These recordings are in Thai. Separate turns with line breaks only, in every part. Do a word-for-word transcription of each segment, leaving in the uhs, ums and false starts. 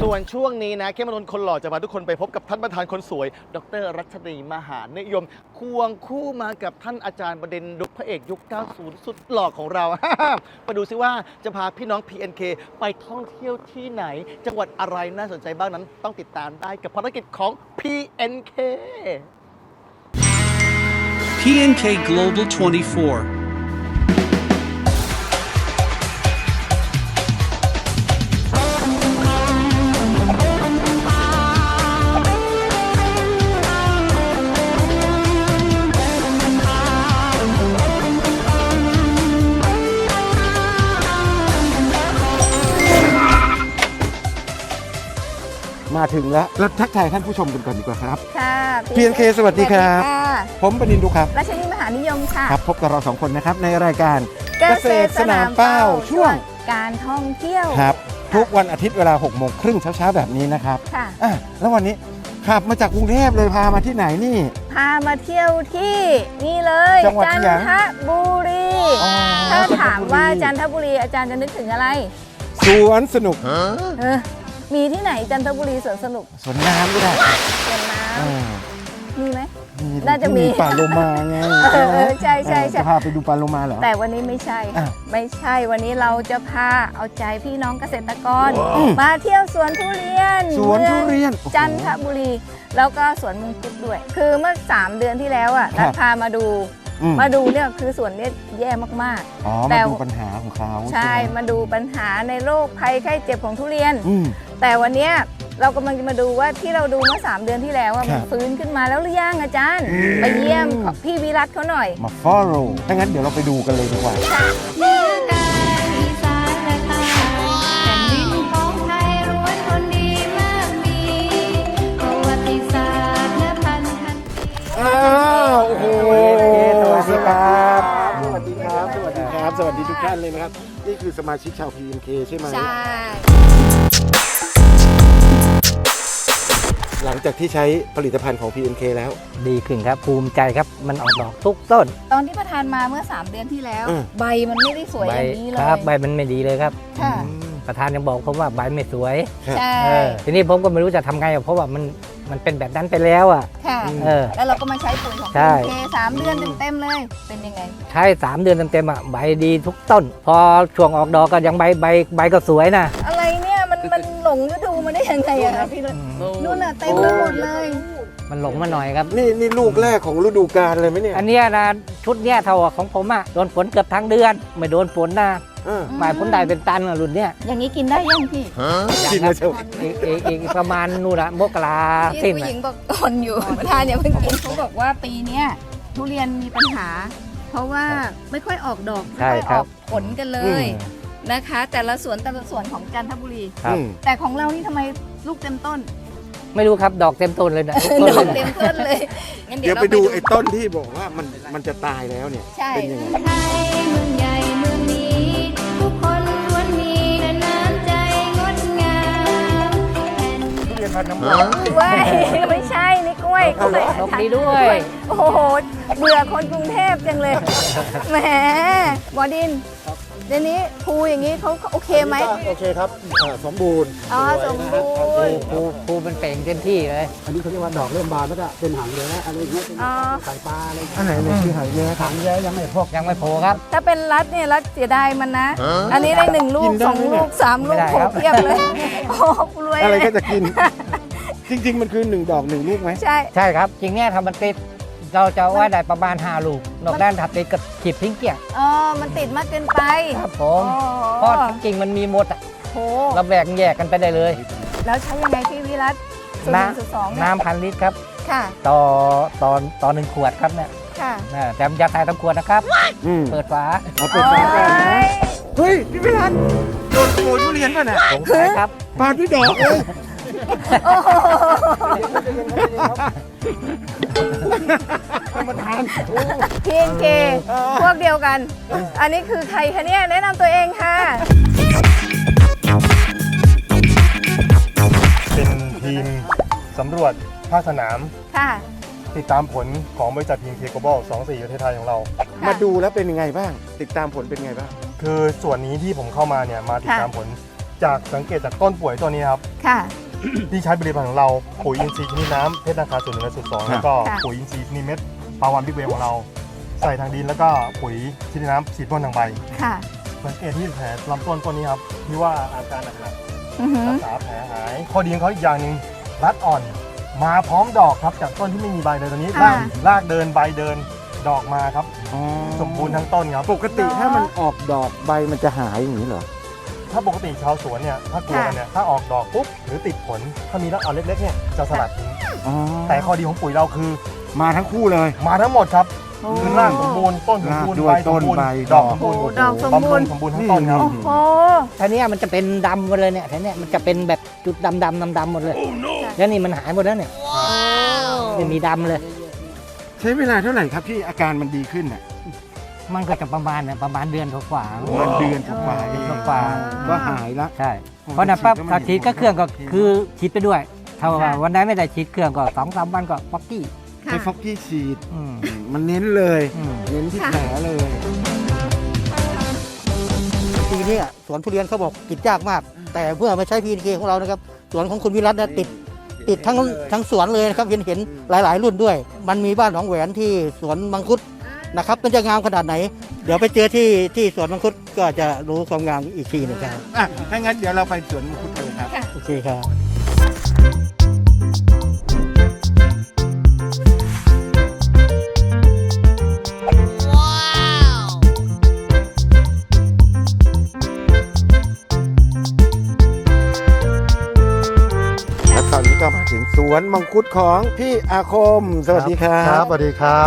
ส่วนช่วงนี้นะเข้มมนนท์คนหล่อจะพาทุกคนไปพบกับท่านประธานคนสวยดร.รัชนีมหานิยมควงคู่มากับท่านอาจารย์ประเด็นดุพระเอกยุค เก้าสิบ สุดหล่อของเรา มาดูซิว่าจะพาพี่น้อง พี เอ็น เค ไปท่องเที่ยวที่ไหน จังหวัดอะไรน่าสนใจบ้างนั้นต้องติดตามได้กับภารกิจของ พี เอ็น เค
พี เอ็น เค Global ยี่สิบสี่
มาถึงแล้วแล้วทักทายท่านผู้ชมกันก่อนดีกว่าครับ
ค่ะ
พี เอ็น เค สวัสดีครับ ผมปนินทร์ดุครับ
รัชนีมหานิยมค่ะ
ครับพบกับเราสองคนนะครับในรายการ
เกษตรสนามเป้า
ช่วง
การท่องเที่ยว
ครับทุกวันอาทิตย์เวลาหกโมงครึ่งเช้าๆแบบนี้นะครับ
ค่ะ
อ่ะแล้ววันนี้ขับมาจากกรุงเทพเลยพามาที่ไหนนี่
พามาเที่ยวที่นี่เลย
จังหวัด
จัน
ที่ไหน
ทบุรี
อ๋อ
ถ้าถามว่า
จั
จั
น
น
ท
ท
บุ
บุ
รี
รีอาจารย์จะนึกถึงอะไร
สวนสนุก
เออมีที่ไหนจันทบุรีสวนสนุก
สวนน้ำก็ได้
สวนน้
เออ
ำมีไหม
มี
น่าจะมี
ป่าโลมาไง
เออเออใช่ใช่ใช่
จะพาไปดูป่าโลมาเหรอ
แต่วันนี้ไม่ใช่
อ่ะ
ไม่ใช่วันนี้เราจะพาเอาใจพี่น้องเกษตรกร
อืม
มาเที่ยวสวนทุเรียน
สวนทุเรียน
มืองจันทบุรี แล้วก็สวนมังคุดด้วย คือเมื่อสามเดือนที่แล้วอ่ะ
ครั
นั
บ
ดพามาดู
อืม
มาดูเนี่ยคือสวนเนี่ยแย่มาก
อ๋อ
แต่
มาดูปัญหาของเขา
ๆ
ใช่
ใช่
ไหม
มาดูปัญหาในโรคภัยไข้เจ็บของทุเรียน
อืม
แต่วันเนี้ยเรากำลังจะมาดูว่าที่เราดูเมื่อสามเดือนที่แล้วอะ
ครั
มัน
บ
ฟื้นขึ้นมาแล้วหรือยังอาจารย์
อืม
ไปเยี่ยมพี่วิรัตเขาหน่อย
มา follow ถ้างั้นเดี๋ยวเราไปดูกันเลยดีกว่า
เหนือกลางอีสานและใต้แผ่นดินของไทยล้วนคนดีมากมีประวัติศาสตร์และพันธะ
อ้าวโอ้โห
สวัสดีครับ
สวัสดีครับ สวัสดีครับ สวัสดีทุกท่านเลยนะครับ นี่คือสมาชิกชาว พี เอ็น เค ใช่ไหม
ใช่
หลังจากที่ใช้ผลิตภัณฑ์ของ พี เอ็น เค แล้ว
ดีขึ้นครับภูมิใจครับมันออกดอกทุกต้น
ตอนที่ประธานมาเมื่อสามเดือนที่แล้ว
อืม
ใบมันไม่ได้สวย
ใบ
อย่างนี้เลย
ครับใบมันไม่ดีเลยครับ
ค่ะ
ประธานยังบอกผมว่าใบไม่สวย
ใช่
เออทีนี้ผมก็ไม่รู้จะทำไงอะเพราะว่ามันมันเป็นแบบนั้นไปแล้วอ่ะ
ค่ะ
เออ
แล้วเราก็มาใช้ปุ๋ยของ
ใช่
พี เอ็น เค สามเดือนเต็มๆเลย เป็นยังไง
ใช้สามเดือนเต็มๆอ่ะใบดีทุกต้น พอช่วงออกดอกก็ยังใบใบใบก็สวยนะ
อะไรเนี่ยมันมันหลงฤดูมาได้ยังไงอะคะพี่นุ่นนู่นน่ะเต็มไปหมดเลย
มันหลงมาหน่อยครับ
นี่นี่ลูกแรกของฤดูกาลเลยไหมเนี่ย
อันเนี้ยนะชุดเนี้ยเท่าของผมอ่ะโดนฝนเกือบทั้งเดือน ไม่โดนฝนนะ
เออ
หมายผลได้เป็นตันอะรุ่นเนี้ย
อย่างนี้กินได้ยังพี่
กินมาเชียว
อีกอีกอีกประมาณนู่นอะมกรา
ที่
สิ้น
ผู้ห
อะ
ญิงบอกตอนอยู่ ประธานอย่าเพิ่งกินเขาบอกว่าปีเนี้ยทุเรียนมีปัญหา เพราะว่าไม่ค่อยออกดอกไม่
ใช่
ค่อย
ค
อ
รั
อบ กผลกันเลย นะคะ แต่ละสวนแต่ละสวนของจันทบุรี
ครับ
อืม
แต่ของเรานี่ทำไมลูกเต็มต้น
ไม่รู้ครับดอกเต็มต้นเลยนะทุกต้น
ดอก
เลย
เต็มต้นเลยงั้น
เดี๋ยว
รา
ไปดูไอ้ต้นที่บอกว่ามันมันจะตายแล้วเนี่ย
ใช่
เป็นยังไง
ไทยเมืองใหญ่เมืองนี้ ทุกคนล้วนมีแต่น้ำใจงดงาม
ทุเรียนพันธุ์น้ำมัน
กล้วยไม่ใช่นี่กล้วยกล้วย
นกดีด้วย
โอ้โหเบื่อคนกรุงเทพจังเลยแหมบอดินเดี๋ยวนี้ภูอย่างนี้เขาโอเคไหม
โอเคครับอ่าสมบูรณ์
อ๋อสมบูรณ์
ภูภูมันเป่งเต็มที่เลย
อันนี้เขาเรียกว่าดอกเริ่มบานแล้วก็เป็นหางแย้อะไรอย่างเงี้ยเป็น
อ๋อ
ไข่ปลาอะไร
อันไหนเนี่ยคือหางแย้ครับ
หางแย้ยังไม่พอก
ยังไม่โผล่ครับ
ถ้าเป็นรัดเนี่ยรัดเสียดายมันนะ อันนี้ได้หนึ่งลู
กิ
ก
นได้
สอง
ไหมเนี่
ลู
ย
กสามลูก
ไม่ได้
โผ
ครับ
เพียบเลยโอ้รวย
อะไร
เลย
ก็จะกิน จริง ๆ มันคือหนึ่งดอกหนึ่งลูกไหม
ใช่
ใช่ครับ จริงเนี่ยทำมันติดเราจะเอาไว้ได้ประมาณห้าลูก นอกด้านถัดติดกับขีดทิ้งเกี่ยง
อ๋อมันติดมากเกินไป
ครับผ
โอ้
มเพราะจริงๆมันมีหมดอะ
โห
เราแบ่งแยกกันไปได้เลย
แล้วใช้ยังไงพี่วิรัตสูตรห
น้
นึ่งสูตรสองเนี่ย
ำน้ำพันลิตรครับ
ค่ะ
ต่อต่อต่อหนึ่งขวดครับเนี่ย
ค่ะ
นะแต่มันจะใส่ทั้งขวดนะครับ
อืม
เปิดฝา
เอาเปิดฝาก่อนนะ
โอ้ย
เฮ้ย พี่พิรันโดนขโมยทุเรียนป่ะเนี่ย
สงสัยครับ
ปานพี่ดอกเลย
โอ้โห
มาทาน
พีเอ็นเคพวกเดียวกัน อันนี้คือใครคะเนี่ยแนะนำตัวเองค่ะ
เป็นทีมสำรวจภาคสนาม
ค่ะ
ติดตามผลของบริษัททีมเคโกบอลสองสี่ประเทศไทยของเรา
มาดูแล้วเป็นยังไงบ้าง ติดตามผลเป็นยังไงบ้าง
คือส่วนนี้ที่ผมเข้ามาเนี่ยมาติดตามผลจากสังเกตจากต้นป่วยตัวนี้ครับ
ค่ะ
ที่ใช้ผลิตภัณฑ์ของเราปุ๋ยอินทรีย์ชนิดน้ำเพชรนาคาส่วนหนึ่งและส่วนสองแล้วก็
ค่ะ
ปุ๋ยอินทรีย์ชนิดเม็ดปลาวานบิ๊กเวฟของเรา ใส่ทางดินแล้วก็ปุ๋ยชนิดน้ำฉีดพ่นทางใบ
ค่ะ
สังเกตที่แผลลำต้นต้นนี้ครับที่ว่าอาการหนัก
อือหื
ๆ
อ
รักษาแผลหายข้อดีของเขาอีกอย่างหนึ่งรัดอ่อน มาพร้อมดอกครับจากต้นที่ไม่มีใบเลยตอนนี้รากรากเดินใบเดินดอกมาครับสมบูรณ์ทั้งต้นครับ
ปกติถ้ามันออกดอกใบมันจะหายอย่างนี้เหรอ
ถ้าปกติชาวสวนเนี่ยถ้ากลัวกันเนี่ยถ้าออกดอกปุ๊บหรือติดผลถ้ามีรากอ่อนเล็กๆเนี่ยจะสลัดทิ้งแต่ข้อดีของปุ๋ยเราคือ
มาทั้งคู่เลย
มาทั้งหมดครับ
โอ้
คือรากสมบูรณ์ต้นสมบูรณ์
รากด้วย
ใบสมบูรณ์
ต้นใบ
ดอกสมบูรณ์
โอ้ดอกสมบูรณ์
บำรุงสมบูรณ์ทั้งต้นครับ
โอ้โห
ทีเนี้ยมันจะเป็นดำหมดเลยเนี่ยทีเนี้ยมันจะเป็นแบบจุดดำดำดำดำหมดเลย แล้วนี่มันหายหมดแล้วเนี่ยไม่มีดำเลย
ใช้เวลาเท่าไหร่ครับที่อาการมันดีขึ้นอ่ะ
มันก็จะประมาณเนี่ยประมาณเดือนกว่าๆ
ประมาณเดือนกว่าๆเอง
กว่า
ก็หายละ
ใช่เพราะนั้นปั๊บถ้าฉีดก็เครื่องก็คือฉีดไปด้วยถ้าว่า
ค่ะ
วันไหนไม่ได้ฉีดเครื่องก็สองสามวันก็ป๊อกกี้
ใช้ฟอกกี้ฉีด
อืม
มันเน้นเลย
อืม
เน้นที่แผลเลย
ปีนี้อะสวนทุเรียนเขาบอกติดยากมาก แต่เพื่อมาใช้พีเคของเรานะครับสวนของคุณวิรัตนะติดติดทั้งทั้งสวนเลยนะครับเห็นเห็นหลาย ๆ รุ่นด้วย มันมีบ้านหนองแหวนที่สวนมังคุดนะครับมันจะงามขนาดไหน เดี๋ยวไปเจอที่ที่สวนมังคุดก็จะรู้ความงามอีกทีหนึงครับ
อ่ะ ถ้างั้นเดี๋ยวเราไปสวนมังคุดเลยครับ
โอเคครับ
และตอนนี้ก็มาถึงสวนมังคุดของพี่อาคม สวัสดีครับ
ครับสวัสดีครับ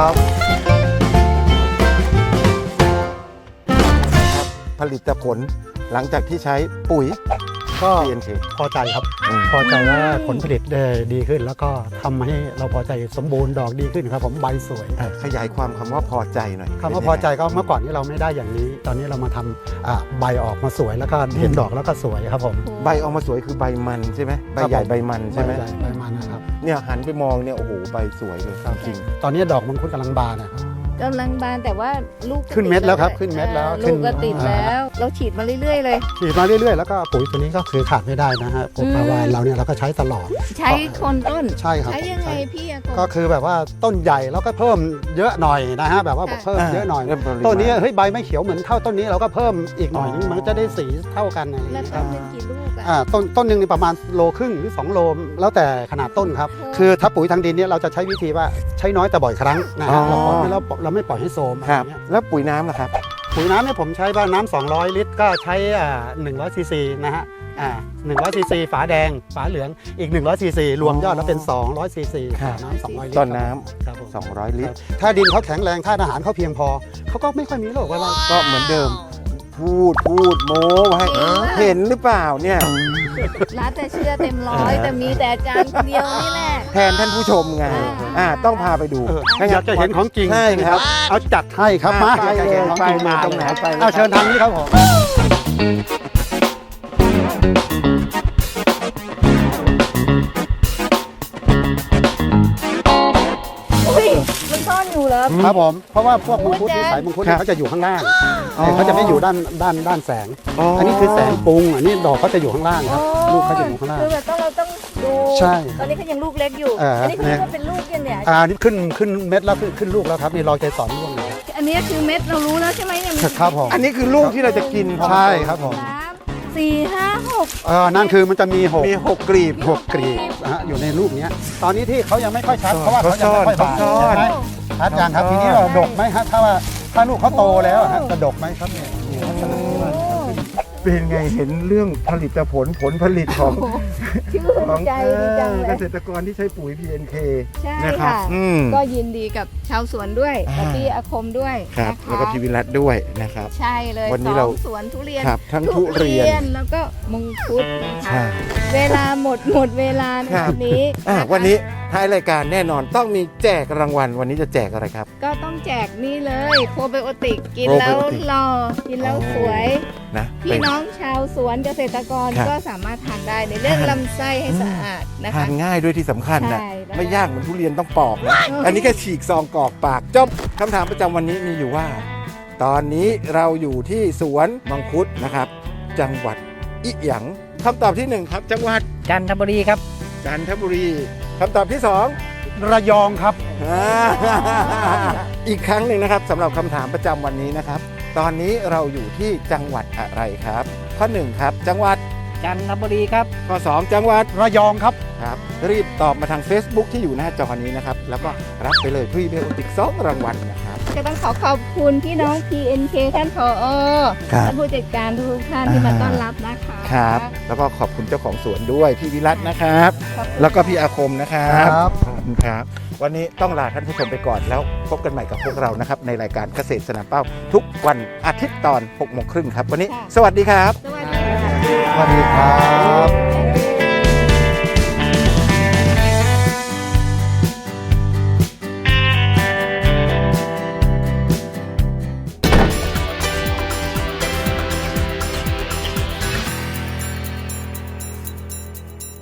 ผลิตผลหลังจากที่ใช้ปุ๋ย
ก็
พี เอ็น เค
พอใจครับ
อืม
พอใจว่าผลผลิตได้ดีขึ้น แล้วก็ทำให้เราพอใจสมบูรณ์ดอกดีขึ้นครับผมใบสวย
อ่ะขยายความคำว่าพอใจหน่อย
คำว่าพอใจก็เมื่อก่อนนี้เราไม่ได้อย่างนี้ ตอนนี้เรามาทำอ่าใบออกมาสวยแล้วก็เห็นดอกแล้วก็สวยครับผม
ใบออกมาสวยคือใบมันใช่ไหมใบใหญ่ใบมันใช่ไหม
ใบญ่ใบมันนะครับ
เนี่ยหันไปมองเนี่ยโอ้โหใบสวยเลยจริง
ตอนนี้ดอกมังคุดกำลังบานนะครับ
กำลังบานแต่ว่าลูกก็
ขึ้นเม็ดแล้วครับ
ติ
ขึ้นเม็ดแล้ว
อ่า
ขึ้
ลู
น
กก็ติดแล้ว เราฉีดมาเรื่อยๆเลย
ฉีดมาเรื่อยๆแล้วก็ปุ๋ยตัวนี้ก็คือขาดไม่ได้นะฮะปุ๋ยปลาวานเราเนี่ยเราก็ใช้ตลอด
ใช้คนต้น
ใช่ครับ
ใช้ยังไง
ใช่
พี่อาก
ก็
ง
คือแบบว่าต้นใหญ่แล้วก็เพิ่มเยอะหน่อยนะฮะแบบว่า
ค่ะ
เพิ่มเยอะหน่อย
เริ่มปริมาณ
ต้นนี้เฮ้ยใบไม่เขียวเหมือนเท่าต้นนี้เราก็เพิ่มอีกหน่อยนึงมันก็จะได้สีเท่ากันอะไรอย่าง
แล้ว
เงี้ยค
ต้
รับ
นหนึงกี่ลูกอะ
อ่าต้นต้นหนึ่งนี่ประมาณโลครึ่งหรือสองโลแล้วแต่ขนาดต้นครับ
โอ้
คือถ้าปุ๋ยทางดินเนี่ยเราจะใช้วิธีว่าใช้น้อยแต่บ่อยครั้งนะฮะเราปล่อยไม่เราเราไม่ปล่อยให้โทรมอะไร
ค
อ
รับ
ย่างเงี้ย
แล้วปุ๋ยน้ำล่ะครับ
ปุ๋ยน้ำเนี่ยผมใช้บ้านน้ำสองร้อยลิตรก็ใช้อ่าหนึ่งร้อยซีซีนะฮะอ่าหนึ่งร้อยซีซีฝาแดงฝาเหลืองอีกหนึ่งร้อยซีซีรวมยอดแล้วเป็นสองร้อยซีซี
ครับ
น้ำสองร้อยลิตร
ต้นน้
ครับผม
ำสองร้อยลิตร
ถ้าดินเขาแข็งแรงธาตุอาหารเขาเพียงพอเขาก็ไม่ค่อยมีโรคอะไร
ก็เหมือนเดิม พูดพูดโม้ไว้เห็นหรือเปล่าเนี่ย
ร้านแต่เชื่อเต็มร้อยแต่มีแต่อาจารย์คนเดียวนี่แหละ
แทนท่านผู้ชมไง
อ่า
อ่าต้องพาไปดู
เออ
ถ้งั้
อยากจะเห็นของจริง
ใช่ครับ
เอาจัดให้ครับมา
ไป
อยากจะ
เล
เห็
ย
นของ
ไป
จริง
เลย
มา
ตรงไหนไปเลย
เอาเชิญทางนี้ครับผม
อุ้ยมันซ่อนอยู่เหรอ
ครับผมเพราะว่าพวกมังคุด
โอ้
นิ
ย
สัยมังคุดเนี่ยเขาจะอยู่ข้างล่าง
อ๋อ
เขาจะไม่อยู่ด้านด้านด้านแสง อันนี้คือแสงปรุงอันนี้ดอกเขาจะอยู่ข้างล่างครับลูกเขาจะอยู่ข้างล่าง
คือแบบต้องเราต้องดู
ใช่
ตอนนี้เขายังลูกเล็กอยู่
เอออั
อันนี้เขาเรียกว่าเป็นลูกยังเนี่ย
อ่านี่ขึ้นขึ้นเม็ดแล้วขึ้นขึ้นลูกแล้วครับนี่รอเกสรร่วงอยู่
อันนี้คือเม็ดเรารู้แล้วใช่ไหมเนี่ยมัน
ครับผม
อันนี้คือลูกที่เราจะกิน
ใช่ครับผม
สามสี่ห้าหก
เออนั่นคือมันจะมีหก
มีหกกลีบ
หกกรีบนะฮะอยู่ในลูกเนี้ยตอนนี้ที่เขายังไม่ค่อยชัดเพราะว่าเขายังไม่ค่อยบาน
เขาซ่อน
ใช่ไหมชัดยังครับทีนี้เราดกไหมฮะถ้าว่าถ้าลูกเขาโตแล้วฮะจะดกไหมครับเนี่ยนี่ลักษณะที่ว่า
เป็นไงเห็นเรื่องผลิตผลผลผลิตของ
ชื่นใจดีจังเล
เก
ย
ษตรกรที่ใช้ปุ๋ย พี เอ็น เค
ใช่
นะครับ
ค่ะ
อืม
ก็ยินดีกับชาวสวนด้วย
อ่า
กับพี่อาคมด้วย
ครับ
นะคะ
แล้วก็พี่วิรัตด้วยนะครับ
ใช่เลย
วันนี้
ส
เรา
องสวนทุเรียน
ครับทั้งทุเรียน
แล้วก็มังคุดนะคะ
ใช่
เวลาหมดหมดเวลาใน
ครับ
วันนี้
อ่ะ
ะคะ
วันนี้ท้ายรายการแน่นอนต้องมีแจกรางวัลวันนี้จะแจกอะไรครับ
ก็ต้องแจกนี่เลยโปรไบโอติกกิน
โปรไบ
แล้ว
โอติก
หล่อกินแล้วสวย
นะ
พี่
เป็น
น้องชาวสวนเกษตรกร
ครับ
ก็สามารถทานได้ในเรื่อง
ทาน
ลำไส้ให้สะอาดนะ
ทา
คะ
นง่ายด้วยที่สำคัญนะ
ใช่แล้ว
ไม่ยากเหมือนทุเรียนต้องปอกนะ
เอออั
อันนี้แค่ฉีกซองกรอกปากจบคำถามประจำวันนี้มีอยู่ว่า ตอนนี้เราอยู่ที่สวนมังคุดนะครับ จังหวัดอิหยังคำตอบที่หนึ่งครับ จังหวัด
จันทบุรีครับ
จันทบุรีคำตอบที่สอง
ระยองครับ
อ่า อีกครั้งหนึ่งนะครับสำหรับคำถามประจำวันนี้นะครับ ตอนนี้เราอยู่ที่จังหวัดอะไรครับ ข้อหนึ่งครับ จังหวัด
จันทบุรีครับ
ข้อสองจังหวัด
ระยองครับ
ครับรีบตอบมาทาง Facebook ที่อยู่หน้าจอนี้นะครับแล้วก็รับไปเลยพรีเบลติกสองรางวัลนะครับ
จะต้องขอขอบคุณพี่น้อง พี เอ็น เค ท่านผอ
ครับ
ท่านผู้จัดการทุกท่านที่มาต้อนรับนะคะ
ครับแล้วก็ขอบคุณเจ้าของสวนด้วยพี่วิรัตนะครับ
ขอบคุณ
แล้วก็พี่อาคมนะครับ
ครับ
ขอบคุณครับ วันนี้ต้องลาท่านผู้ชมไปก่อนแล้วพบกันใหม่กับพวกเรานะครับในรายการเกษตรสนามเป้า ทุกวันอาทิตย์ตอนหกโมงครึ่งครับวันนี้ สวัสดีครับ
สวัสดีค่ะ
สวัสดีครับ
บ๊าย